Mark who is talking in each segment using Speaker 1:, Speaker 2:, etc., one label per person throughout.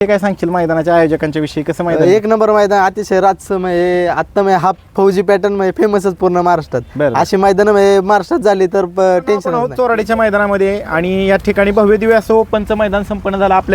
Speaker 1: ते काय सांगशील मैदानाच्या आयोजकांच्या विषयी? कसं मैदान?
Speaker 2: एक नंबर मैदान, अतिशय राजसमय आता हा फौजी पॅटर्न मध्ये फेमसच पूर्ण महाराष्ट्रात. अशी मैदान महाराष्ट्रात झाली तर टेन्शन
Speaker 1: आहोत चोराडीच्या मैदानामध्ये आणि या ठिकाणी भव्य दिव्य असं ओपनचं मैदान संपन्न झालं. आपल्या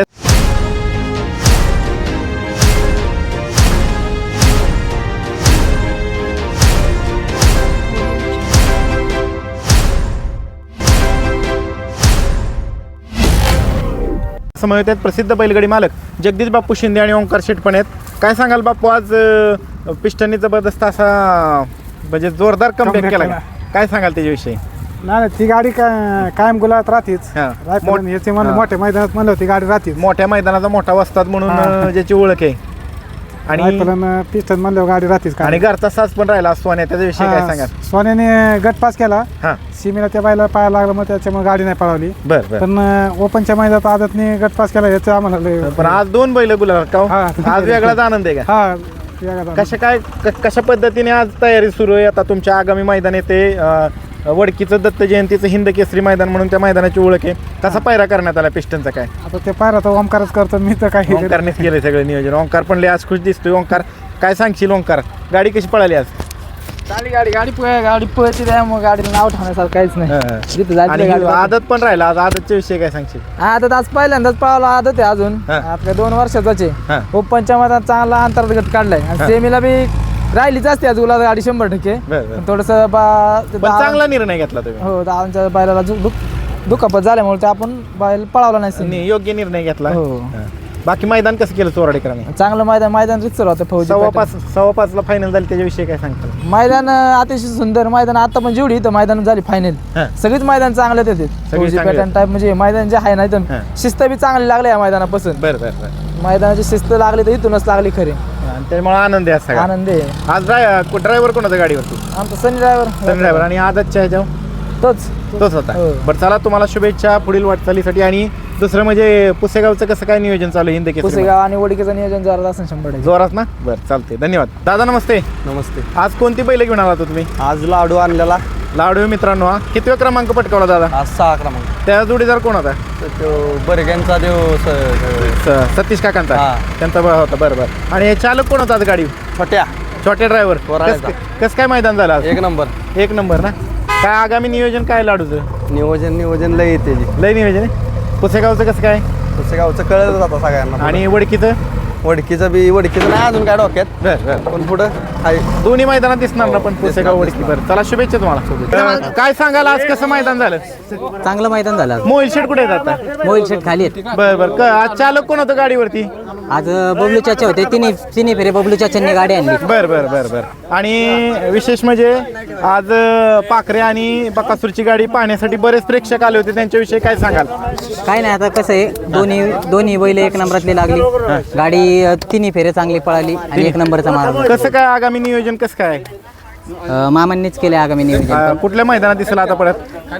Speaker 1: समोर आहेत प्रसिद्ध बैलगाडी मालक जगदीश बापू शिंदे आणि ओंकार शेट पण आहेत. काय सांगाल बापू, आज पिस्टननी जबरदस्त असा म्हणजे जोरदार कमबॅक केला, काय सांगाल त्याच्याविषयी?
Speaker 3: नाही ती गाडी कायम गुलाबात राहतेच. मोठ्या मैदानात म्हणलं ती गाडी राहतेच.
Speaker 1: मोठ्या मैदानाचा मोठा वस्ताद म्हणून ज्याची ओळख आहे आणि
Speaker 3: पिस्टन म्हणलं गाडी राहतेच.
Speaker 1: आणि घरचा साज पण राहिला सोन्या, त्याच्याविषयी काय सांगाल?
Speaker 3: सोन्याने गट पास केला, सीमेला त्या बायला पाहायला लागला, मग त्याच्यामुळे गाडी नाही पळवली. पण ओपनच्या मैदानात आदतने गट पास केला याचं आम्हाला.
Speaker 1: पण आज 2 बैल गुलाल का आज वेगळाच आनंद आहे का? कशा पद्धतीने आज तयारी सुरू आहे? आता तुमच्या आगामी मैदान येते वडकीचं दत्त जयंतीचं हिंद केसरी मैदान म्हणून त्या मैदानाची ओळख आहे. कसा पायरा करण्यात आला पिस्टनचा? काय
Speaker 3: आता ते पायरा तर ओंकारच करतो, मी तर काही
Speaker 1: ओंकारनेच केलंय सगळं नियोजन. ओंकार पण लय आज खुश दिसतोय. ओंकार काय सांगशील? ओंकार गाडी कशी पळाली आज?
Speaker 2: गाडी पळते मग गाडीला नाव ठेवण्यासारखं काहीच नाही.
Speaker 1: आदत पण राहिला आज, आदतच्या विषयी काय सांगशील?
Speaker 2: आदत आज पहिल्यांदाच पळाला आदत आहे अजून आपल्या 2 वर्षाचे. ओपनच्या मैदानात चांगला अंतर्गत काढलाय आणि सेमीला बी राहिलीच असते आज गुलाब गाडी 100%. थोडस
Speaker 1: चांगला निर्णय घेतला तुम्ही.
Speaker 2: हो, दादांच्या बैलाला दुखापत झाल्यामुळे ते आपण बैल पळावला नाही,
Speaker 1: योग्य निर्णय घेतला. बाकी मैदान कसं केलं चोराडीकरांनी?
Speaker 2: चांगलं मैदान रितसर होतं. फौजी
Speaker 1: 5:15 फायनल झाली, त्याच्याविषयी काय सांगतात?
Speaker 2: मैदान अतिशय सुंदर मैदान. आता पण जेवढी इथं मैदान झाली फायनल सगळीच मैदान चांगले देते. फौजी पॅटर्न टाईप म्हणजे मैदान जे आहे ना इथं शिस्त बी चांगली लागली या मैदानापासून. मैदानाची शिस्त लागली तर इथूनच लागली खरी,
Speaker 1: त्यामुळे आनंद आहे.
Speaker 2: आनंद आहे.
Speaker 1: आज ड्रायव्हर कोणाचा गाडीवरती?
Speaker 2: आमचा सनी ड्रायव्हर.
Speaker 1: आणि आदतच्या ह्याच्यावर तोच होता. बरं, चला तुम्हाला शुभेच्छा पुढील वाटचालीसाठी. आणि दुसरं म्हणजे पुसेगावचं कसं काय नियोजन चालू आहे? हिंद केसरी
Speaker 2: पुसेगाव आणि वडकीचं नियोजन जोरात असेल 100%.
Speaker 1: जोरात ना? बरं, चालते. धन्यवाद दादा. नमस्ते.
Speaker 2: नमस्ते.
Speaker 1: आज कोणती बैल घेऊन आला तुम्ही?
Speaker 2: आज लाडू आणलेला.
Speaker 1: लाडू मित्रांनो, हा कितवा क्रमांक पटकावला दादा?
Speaker 2: आज 6 क्रमांक.
Speaker 1: त्या जोडीदार कोण होता?
Speaker 2: बरग्यांचा
Speaker 1: सतीश काकांचा, त्यांचा होता. बरं. आणि चालक कोण होता आज गाडी? छोट्या ड्रायव्हर. कसं काय मैदान झालं?
Speaker 2: 1 नंबर
Speaker 1: ना? काय आगामी नियोजन काय लाडूचं?
Speaker 2: नियोजन लय येते.
Speaker 1: लय नियोजन आहे. पुसेगावचं कसं काय?
Speaker 2: पुसेगावचं कळलं जातं सगळ्यांना.
Speaker 1: आणि वडकीचं
Speaker 2: नाही अजून काय डोक्यात, पण पुढं
Speaker 1: दोन्ही मैदानात दिसणार ना पण पुसेगाव वडकी. बरं, चला शुभेच्छा तुम्हाला. काय सांगाल आज कसं मैदान झालं?
Speaker 4: चांगलं मैदान झालं.
Speaker 1: मोहिल शेट कुठे आहेत आता?
Speaker 4: मोहिल शेट खाली आहेत.
Speaker 1: बरं. आज चालक कोण होतं गाडीवरती?
Speaker 4: आज बबलू चाचा होते. तिन्ही फेरे बबलू चाचांनी गाडी आणली.
Speaker 1: बरं. आणि विशेष म्हणजे आज पाखरे आणि बकासूरची गाडी पाहण्यासाठी बरेच प्रेक्षक आले होते, त्यांच्याविषयी काय सांगाल?
Speaker 4: काय नाही, आता कसं आहे दोन्ही बैल 1 नंबरातली लागली. गाडी तिन्ही फेरे चांगली पळाली आणि 1 नंबरचा मार्ग.
Speaker 1: कसं काय आगामी नियोजन कसं काय?
Speaker 4: मामांनीच केले आगामी नियोजन.
Speaker 1: कुठल्या मैदानात दिसला आता परत?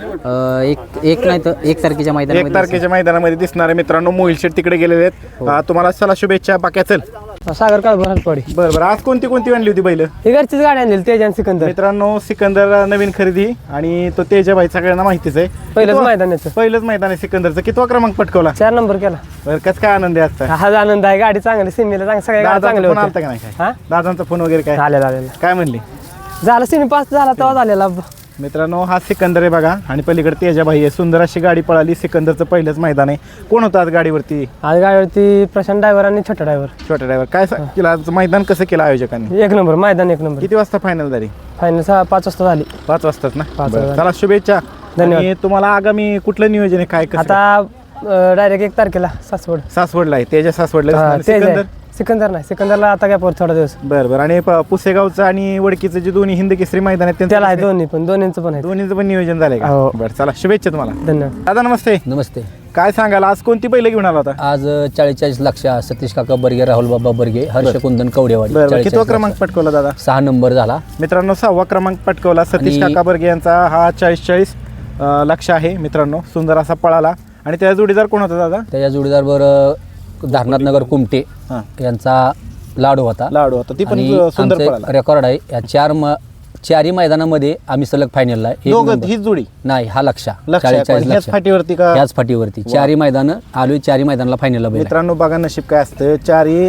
Speaker 4: एक तारखेच्या मैदानामध्ये.
Speaker 1: 1 तारखेच्या मैदानामध्ये दिसणार आहे. मित्रांनो, मोहिल शेट तिकडे गेलेले आहेत. तुम्हाला चला शुभेच्छा. बाकी चल
Speaker 2: सागर काळ पडी.
Speaker 1: बरं. आज कोणती आणली होती बैल?
Speaker 2: ही घरचीच गाडी आणली, तेज आणि सिकंदर.
Speaker 1: मित्रांनो, सिकंदर नवीन खरेदी आणि तो तेजाबाई सगळ्यांना माहितीच आहे. पहिलंच मैदान आहे सिकंदरचं. कितवा क्रमांक पटकवला?
Speaker 2: 4 नंबर केला.
Speaker 1: बरं, कसं काय आनंद आहे आजचा?
Speaker 2: हा आनंद आहे. गाडी चांगली, सिमीला सगळ्या चांगले
Speaker 1: फोन आलता का नाही? काय दादांचा फोन वगैरे काय
Speaker 2: झालेला?
Speaker 1: काय म्हणली?
Speaker 2: झालं सिमी पास झाला तेव्हा झालेला.
Speaker 1: मित्रांनो, हा सिकंदर आहे बघा आणि पलीकडे तेजाबाई आहे. सुंदर अशी गाडी पळाली. सिकंदरचं पहिलंच मैदान आहे. कोण होतं आज गाडीवरती?
Speaker 2: आज गाडीवरती प्रशांत ड्रायव्हर आणि छोटा ड्रायव्हर. काय केलं आज मैदान? कसं केलं आयोजकांनी? 1 नंबर मैदान. 1 नंबर.
Speaker 1: किती वाजता फायनल झाली?
Speaker 2: फायनल 5 वाजता झाली.
Speaker 1: 5 वाजताच ना? चला शुभेच्छा. धन्यवाद. तुम्हाला आगामी कुठलं नियोजन आहे? काय कसं?
Speaker 2: आता डायरेक्ट 1 तारखेला
Speaker 1: सासवडला आहे. तेजा सासवडला.
Speaker 2: सिकंदर नाही, सिकंदरला आता काय थोडा दिवस.
Speaker 1: बरं. आणि पुसेगावचं आणि वडकीचं जे दोन्ही हिंद केसरी मैदान आहेत
Speaker 4: त्याला आहे दोन्हीचं
Speaker 1: पण नियोजन झालंय का? बरं, चला शुभेच्छा तुम्हाला.
Speaker 2: धन्यवाद.
Speaker 1: दादा नमस्ते.
Speaker 4: नमस्ते.
Speaker 1: काय सांगाल आज कोणती बैल घेऊन आला होता?
Speaker 4: आज 40 लक्ष सतीश काका बर्गे, राहुल बाबा बर्गे, हर्ष कुंदन कवडेवाडी.
Speaker 1: कितवा क्रमांक पटकवला दादा?
Speaker 4: 6 नंबर झाला.
Speaker 1: मित्रांनो, 6वा क्रमांक पटकवला. सतीश काका बर्गे यांचा हा 40 लक्ष आहे. मित्रांनो, सुंदर असा पळाला. आणि त्याचा जोडीदार कोण होता दादा?
Speaker 4: त्याच्या जोडीदार धारनाथनगर कुमटे यांचा लाडू होता.
Speaker 1: ती पण सुंदर पळाला.
Speaker 4: रेकॉर्ड आहे या
Speaker 5: चारही मैदानामध्ये आम्ही सलग फायनलला एक
Speaker 1: दोघं
Speaker 5: नंबर.
Speaker 1: हीच जोडी
Speaker 5: नाही हा लक्षा
Speaker 1: लक्ष
Speaker 5: 40
Speaker 1: ह्याच
Speaker 5: लक्ष
Speaker 1: फाटीवरती का
Speaker 5: याच फाटीवरती चारही मैदानं आलोय चारही मैदानाला फायनलला बैल आहे.
Speaker 1: मित्रांनो बघा नशीब काय असतं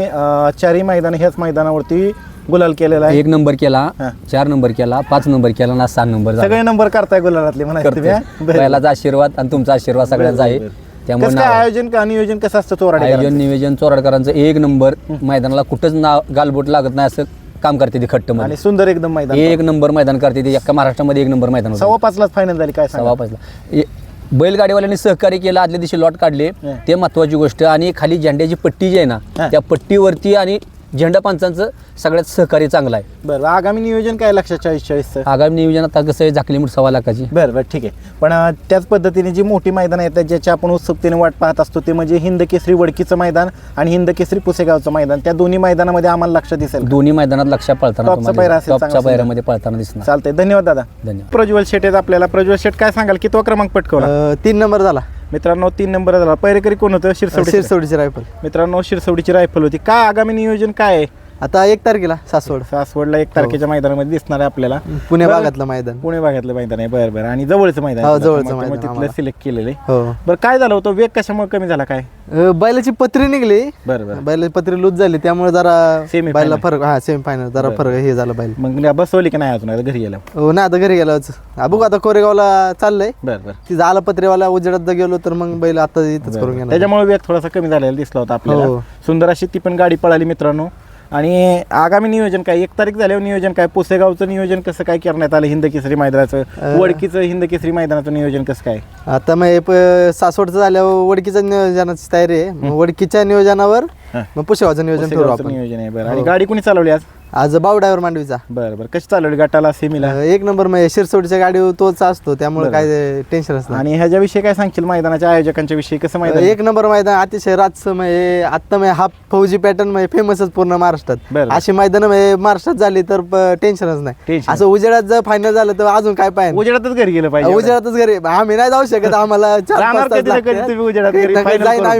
Speaker 1: चारही मैदान ह्याच मैदानावरती गुलाल केलेला आहे.
Speaker 5: 1 नंबर केला
Speaker 1: हा.
Speaker 5: 4 नंबर केला 5 नंबर केला ना 6 नंबर झाला.
Speaker 1: सगळे नंबर करताय गुलालातले म्हणायचं तुम्ही, हा? बरं.
Speaker 5: बैलाचा आशीर्वाद आणि तुमचा आशीर्वाद सगळ्यांचा आहे. त्यामुळे
Speaker 1: कसं काय
Speaker 5: नाव-
Speaker 1: आयोजन का नियोजन कसं असतं चोराडे
Speaker 5: आयोजन नियोजन चोराडकरांचं 1 नंबर मैदानाला कुठंच नाव गालबोट लागत नाही असं काम करते ती खट्ट
Speaker 1: आणि
Speaker 5: मध्ये
Speaker 1: सुंदर एकदम मैदान
Speaker 5: 1 नंबर मैदान करते ती अख्खा महाराष्ट्रामध्ये 1 नंबर मैदान होतं.
Speaker 1: 5:15 फायनल झाली काय सांगा?
Speaker 5: 5:15 बैलगाडीवाल्यांनी सहकार्य केलं आदल्या दिवशी लॉट काढले ते महत्वाची गोष्ट. आणि खाली झेंड्याची पट्टी जी आहे ना त्या पट्टीवरती आणि झेंडा पंचांचं सगळ्यात सहकार्य चांगलं आहे.
Speaker 1: बरं आगामी नियोजन काय लक्षात 40-40चं?
Speaker 5: आगामी नियोजन आता कसं आहे झाकली मूठ 1.25 लाखाची.
Speaker 1: बरं ठीक आहे. पण त्याच पद्धतीने जी मोठी मैदान आहेत ज्याची आपण उत्सुकतेने वाट पाहत असतो ते म्हणजे हिंद केसरी वडकीचं मैदान आणि हिंद केसरी पुसेगावचं मैदान. त्या दोन्ही मैदानामध्ये आम्हाला लक्ष दिसेल.
Speaker 5: दोन्ही मैदानात लक्ष पळताना
Speaker 1: टॉपचा
Speaker 5: तुम्हाला
Speaker 1: पायरा असेल,
Speaker 5: टॉपच्या
Speaker 1: चांगला
Speaker 5: पायऱ्यामध्ये पळताना दिसणार.
Speaker 1: चालतंय. धन्यवाद दादा.
Speaker 5: धन्यवाद.
Speaker 1: प्रज्वल शेट आहेत आपल्याला. प्रज्वल शेट काय सांगाल कितवा क्रमांक पटकवला?
Speaker 2: 3 नंबर झाला.
Speaker 1: मित्रांनो 3 नंबर झाला. पैरेकरी कोण होतं?
Speaker 2: शिरसवडीची रायफल.
Speaker 1: मित्रांनो शिरसवडीची रायफल होती. काय आगामी नियोजन काय आहे?
Speaker 2: आता 1 तारखेला सासवड
Speaker 1: सासवडला 1 तारखेच्या मैदानामध्ये दिसणार आहे आपल्याला.
Speaker 2: पुणे भागातलं मैदान.
Speaker 1: पुणे भागातलं मैदान आहे. बरं आणि जवळचं मैदान
Speaker 2: हो,
Speaker 1: आहे.
Speaker 2: जवळचं
Speaker 1: त्यामुळे
Speaker 2: मैदान
Speaker 1: तिथलं
Speaker 2: आम्हाला.
Speaker 1: सिलेक्ट केलेलं आहे.
Speaker 2: हो.
Speaker 1: बरं काय झालं होतं? वेग कशामुळे कमी झाला काय?
Speaker 2: बैलाची पत्री निघली.
Speaker 1: बरं
Speaker 2: बैलाची पत्री लूज झाली त्यामुळे जरा
Speaker 1: Semi
Speaker 2: बैला
Speaker 1: final.
Speaker 2: फरक सेमी फायनल जरा फरक हे झालं बैल.
Speaker 1: मग बसवली की नाही अजून आता घरी गेला?
Speaker 2: हो ना आता घरी गेलोच. बघू आता कोरेगावला चाललंय.
Speaker 1: बरं
Speaker 2: तिथं आला पत्रेवाला उजेडात गेलो तर मग बैल आता इथंच करून घेणार.
Speaker 1: त्याच्यामुळे वेग थोडासा कमी झालेला दिसला होता आपल्याला.
Speaker 2: हो.
Speaker 1: सुंदर अशी ती पण गाडी पळाली मित्रांनो. आणि आगामी नियोजन काय? 1 तारीख झाल्यावर नियोजन काय? पुसेगावचं नियोजन कसं काय करण्यात आलं? हिंद केसरी मैदानाचं, वडकीचं हिंद केसरी मैदानाचं नियोजन कसं काय?
Speaker 2: आता मग सासवडचं झाल्यावर वडकीच्या नियोजनाची तयारी आहे. मग वडकीच्या नियोजनावर मग पुशेगावचं नियोजन ठरवू
Speaker 1: पुसेगावचं
Speaker 2: आपण.
Speaker 1: नियोजन आहे. बरं आणि गाडी कोणी चालवली आज?
Speaker 2: आज बाव ड्रायव्हर मांडवीचा.
Speaker 1: बरं कशी चालवली गटाला सेमीला?
Speaker 2: 1 नंबर मग शिरसवडीच्या गाडीवर तोच असतो त्यामुळे काय टेन्शनच नाही.
Speaker 1: आणि ह्याच्याविषयी काय सांगशील मैदानाच्या आयोजकांच्या विषयी? कसं मैदान?
Speaker 2: 1 नंबर मैदान अतिशय रातचं म्हणजे आता म्हणजे हा फौजी पॅटर्न म्हणजे फेमसच पूर्ण महाराष्ट्रात.
Speaker 1: बरं.
Speaker 2: अशी मैदान महाराष्ट्रात झाली तर टेन्शनच नाही.
Speaker 1: Tension.
Speaker 2: असं उजेडात जर फायनल झालं तर अजून काय पाहिजे.
Speaker 1: उजेडातच घरी गेलं पाहिजे.
Speaker 2: उजेडातच घरी आम्ही नाही जाऊ शकत. आम्हाला 4-5
Speaker 1: राहणार
Speaker 2: तास
Speaker 1: कधी ना कधी
Speaker 2: लागतात.
Speaker 1: तुम्ही उजेडात घरी final
Speaker 2: जाईन
Speaker 1: करून.
Speaker 2: आम्ही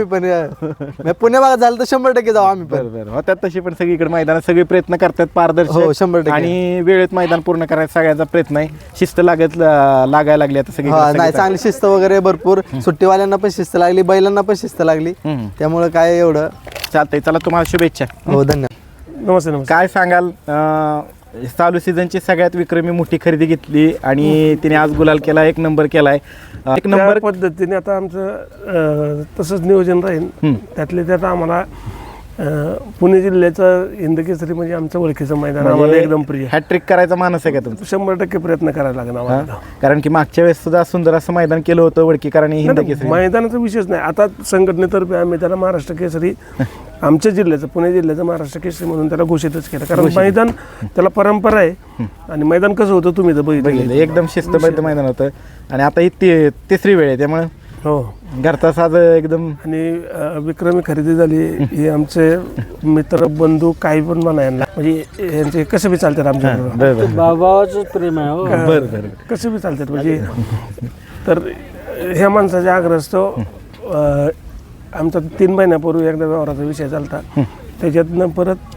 Speaker 2: पण पुणे भागात झालं तर 100% जाऊ आम्ही पण.
Speaker 1: बरं होत्यात तशी पण सगळीकडे मैदानात सगळे प्रयत्न करतात
Speaker 2: हो,
Speaker 1: पारदर्शक
Speaker 2: 100%.
Speaker 1: आणि वेळेत मैदान पूर्ण करायचा सगळ्यांचा प्रयत्न आहे. शिस्त लागायला लागली आता सगळी.
Speaker 2: नाही चांगली शिस्त वगैरे भरपूर. सुट्टीवाल्यांना पण शिस्त लागली बैलांना पण शिस्त लागली. त्यामुळे काय एवढं
Speaker 1: चालतंय. चला तुम्हाला शुभेच्छा.
Speaker 2: हो धन्यवाद.
Speaker 6: नमस्ते.
Speaker 1: काय सांगाल चालू सीझनची सगळ्यात विक्रमी मोठी खरेदी घेतली आणि तिने आज गुलाल केला, 1 नंबर केलाय. 1 नंबर
Speaker 6: पद्धतीने आता आमचं तसंच नियोजन राहील. त्यातले त्यात आम्हाला पुणे जिल्ह्याचं हिंद केसरी म्हणजे आमचं ओळखीचं मैदान आम्हाला एकदम प्रिय.
Speaker 1: हॅट्रिक करायचा मानस आहे का तुमचा?
Speaker 6: 100% प्रयत्न करायला लागेल आम्हाला.
Speaker 1: कारण की मागच्या वेळेस सुद्धा सुंदर असं मैदान केलं होतं वडकीकरांनी हिंद केसरी.
Speaker 6: मैदानाचा विषयच नाही. आता संघटनेतर्फे आम्ही त्याला महाराष्ट्र केसरी आमच्या जिल्ह्याचं पुणे जिल्ह्याचं महाराष्ट्र केसरी म्हणून त्याला घोषितच केलं. कारण मैदान त्याला परंपरा आहे आणि मैदान कसं होतं तुम्ही तर बघितलं.
Speaker 1: एकदम शिस्तबद्ध मैदान होतं आणि आता ही तिसरी वेळ आहे त्यामुळे
Speaker 6: हो
Speaker 1: घरचा साज एकदम.
Speaker 6: आणि विक्रमी खरेदी झाली. हे आमचे मित्र बंधू काही पण म्हणा यांना म्हणजे यांचे कसं बी चालतात आमच्या
Speaker 3: बाबाचं प्रेम आहे.
Speaker 6: कसं बी चालतात म्हणजे. तर ह्या माणसाच्या आग्रहस्तो आमचा 3 महिन्यापूर्वी एकदा व्यवहाराचा विषय चालता. त्याच्यातनं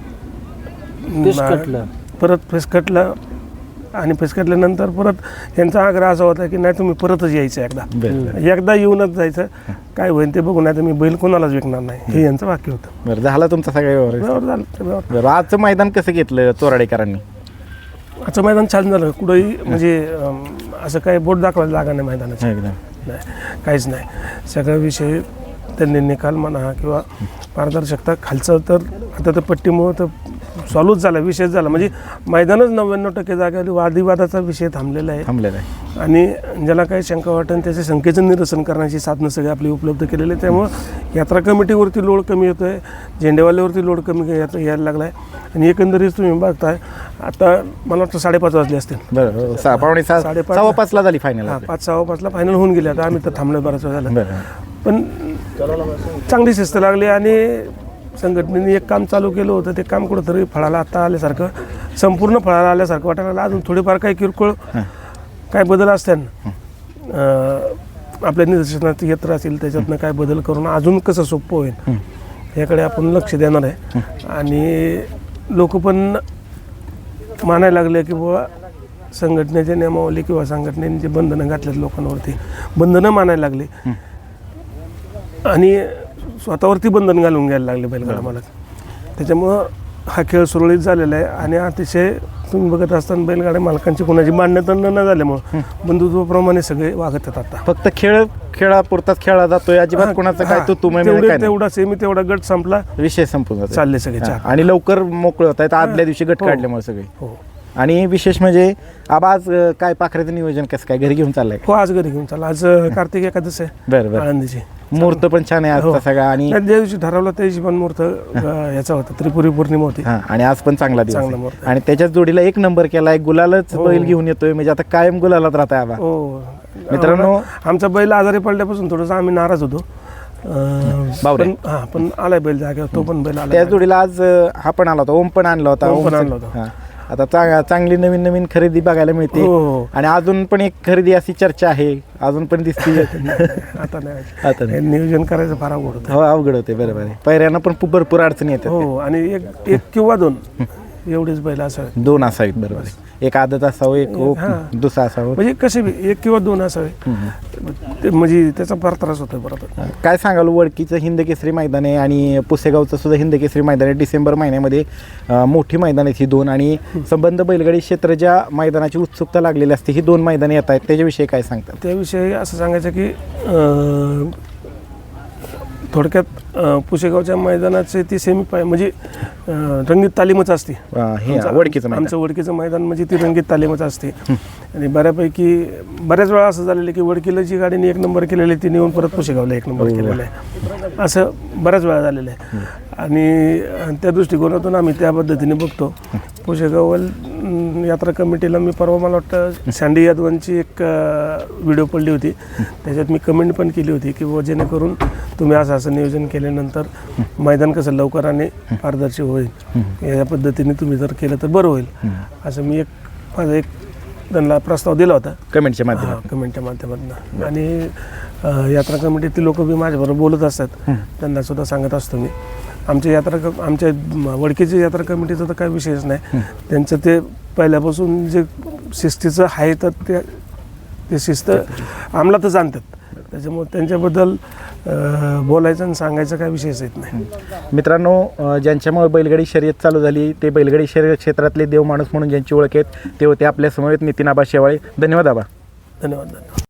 Speaker 6: परत फिसकटलं आणि फिसकटल्यानंतर परत यांचा आग्रह असा होता की नाही तुम्ही परतच यायचं एकदा येऊनच जायचं. काय होईल ते बघून नाही तर मी बैल कोणालाच विकणार नाही हे यांचं वाक्य होतं.
Speaker 1: बरं झाला तुमचा सगळा व्यवहार
Speaker 6: झालं.
Speaker 1: बरं आजचं मैदान कसं घेतलं चोराडेकरांनी?
Speaker 6: आजचं मैदान छान झालं. कुठंही म्हणजे असं काही बोट दाखवायला जागा नाही मैदानाचं. नाही काहीच नाही. सगळा विषय त्यांनी निकाल म्हणा किंवा पारदर्शकता खालचं तर आता तर पट्टीमुळं तर सॉल्वच झाला विषयच झाला. म्हणजे मैदानच 99% जागेवर वादविवादाचा विषय थांबलेला आहे. आणि ज्याला काही शंका वाटेल त्याच्या शंकेचं निरसन करण्याची साधनं सगळी आपली उपलब्ध केलेली आहे. त्यामुळं यात्रा कमिटीवरती लोड कमी येतो आहे, झेंडेवाल्यावरती लोड कमी यायला लागला आहे. आणि एकंदरीत तुम्ही बघताय आता मला वाटतं 5:30 वाजले असतील.
Speaker 1: बरं 5:45 झाली फायनल.
Speaker 6: 5:15 फायनल होऊन गेले. आता आम्ही तर थांबलो बराच वेळ झाला. पण चांगली शिस्त लागली आणि संघटनेने एक काम चालू केलं होतं. ते काम कुठंतरी फळाला आता आल्यासारखं संपूर्ण फळाला आल्यासारखं वाटायला लागलं. अजून थोडेफार काही किरकोळ काय बदल असतात आपल्या निदर्शनात येत राहतील त्याच्यातनं काय बदल करून अजून कसं सोपं होईल याकडे आपण लक्ष देणार आहे. आणि लोक पण मानायला लागले की बाबा संघटनेच्या नियमावली किंवा संघटनेने जे बंधनं घातलेत लोकांवरती, बंधनं मानायला लागले आणि स्वतःवरती बंधन घालून घ्यायला लागले बैलगाडा मालक. त्याच्यामुळं हा खेळ सुरळीत झालेला आहे आणि अतिशय तुम्ही बघत असताना बैलगाड्या मालकांची कोणाची मान्यता न झाल्यामुळं बंधुत्वाप्रमाणे सगळे वागत आहेत. आता
Speaker 1: फक्त खेळापुरताच खेळला जातोय, अजिबात कोणाचं काय तू
Speaker 6: तेवढा सेमी तेवढा गट संपला,
Speaker 1: विषय संपून जातो,
Speaker 6: चालले सगळे चार.
Speaker 1: आणि लवकर मोकळे होत आहेत आदल्या दिवशी गट काढल्यामुळे सगळे.
Speaker 6: हो
Speaker 1: आणि विशेष म्हणजे आबा आज काय पाखऱ्याचं नियोजन कसं काय घरी घेऊन चाललंय?
Speaker 6: हो आज घरी घेऊन चालला. आज कार्तिक एकादश आहे
Speaker 1: बरं बरं.
Speaker 6: आळंदीची.
Speaker 1: मुहूर्त पण छान आहे आजचा सगळा. आणि
Speaker 6: ज्या दिवशी ठरवलं त्या दिवशी पण मुहूर्त याचा होता, त्रिपुरी पौर्णिमा होती.
Speaker 1: आणि आज पण चांगला दिवस
Speaker 6: चांगला
Speaker 1: आहे.
Speaker 6: मुहूर्त.
Speaker 1: आणि त्याच्याच जोडीला एक नंबर केलाय, गुलालच बैल घेऊन येतोय, म्हणजे आता कायम गुलालात राहत आहे आबा.
Speaker 6: हो
Speaker 1: मित्रांनो,
Speaker 6: आमचा बैल आजारी पडल्यापासून थोडंसं आम्ही नाराज होतो. पण आलाय बैल जागेवर, तो पण बैल आला.
Speaker 1: त्याच जोडीला आज हा पण आला होता, ओम पण आणला होता.
Speaker 6: ओम पण आणला होता.
Speaker 1: हा. आता चांगली नवीन नवीन खरेदी बघायला मिळते.
Speaker 6: हो.
Speaker 1: आणि अजून पण एक खरेदी अशी चर्चा आहे, अजून पण दिसते.
Speaker 6: आता नाही,
Speaker 1: आता नाही.
Speaker 6: नियोजन करायचं फार अवघड होतं.
Speaker 1: हो अवघड होते, बरोबर आहे. पैऱ्यांना पण भरपूर अडचणी येतात.
Speaker 6: हो आणि एक किंवा दोन एवढेच बैल असावे.
Speaker 1: दोन असावेत, बरोबर आहे. एक आदत असावं, एक दुसरा असावं,
Speaker 6: म्हणजे कसे बी एक किंवा दोन असावे. म्हणजे त्याचा फार त्रास होतोय बरोबर.
Speaker 1: काय सांगाल, वडकीचं हिंद केसरी मैदान आहे आणि पुसेगावचं सुद्धा हिंद केसरी मैदान आहे. डिसेंबर महिन्यामध्ये मोठी मैदान आहेत ही दोन, आणि संबंध बैलगाडी क्षेत्र ज्या मैदानाची उत्सुकता लागलेली असते, ही दोन मैदाने येत आहेत, त्याच्याविषयी काय सांगतात?
Speaker 6: त्याविषयी असं सांगायचं की थोडक्यात पुसेगावच्या मैदानाचे ती सेमी म्हणजे रंगीत तालीमच असते. आमचं वडकीचं मैदान म्हणजे ती रंगीत तालीमच असते. आणि बऱ्याच वेळा असं झालेलं आहे की वडकीला जी गाडीने एक नंबर केलेली आहे ती नेऊन परत पुसेगावला एक नंबर केलेला आहे, असं बऱ्याच वेळा झालेलं आहे. आणि त्या दृष्टिकोनातून आम्ही त्या पद्धतीने बघतो. पुसेगाव यात्रा कमिटीला मी परवा मला वाटतं सँडी यादवांची एक व्हिडिओ पडली होती, त्याच्यात मी कमेंट पण केली होती की व जेणेकरून तुम्ही असं नियोजन केल्यानंतर मैदान कसं लवकर आणि पारदर्शी होईल, या पद्धतीने तुम्ही जर केलं तर बरं होईल, असं मी माझा एक त्यांना प्रस्ताव दिला होता कमेंटच्या माध्यमातून. आणि यात्रा कमिटीतील लोक बी माझ्याबरोबर बोलत असतात, त्यांना सुद्धा सांगत असतो मी. आमच्या वडकीच्या यात्रा कमिटीचा तर काही विषयच नाही. त्यांचं ते पहिल्यापासून जे शिस्तीचं आहे तर ते शिस्त अंमलातच आणतात. त्याच्यामुळे त्यांच्याबद्दल बोलायचं आणि सांगायचं काय विषयच येत नाही.
Speaker 1: मित्रांनो, ज्यांच्यामुळे बैलगाडी शर्यत चालू झाली ते बैलगाडी शर्यत क्षेत्रातले देव माणूस म्हणून ज्यांची ओळख आहेत ते होते आपल्या समवेत नितीन आबा शेवाळे. धन्यवाद आबा.
Speaker 6: धन्यवाद.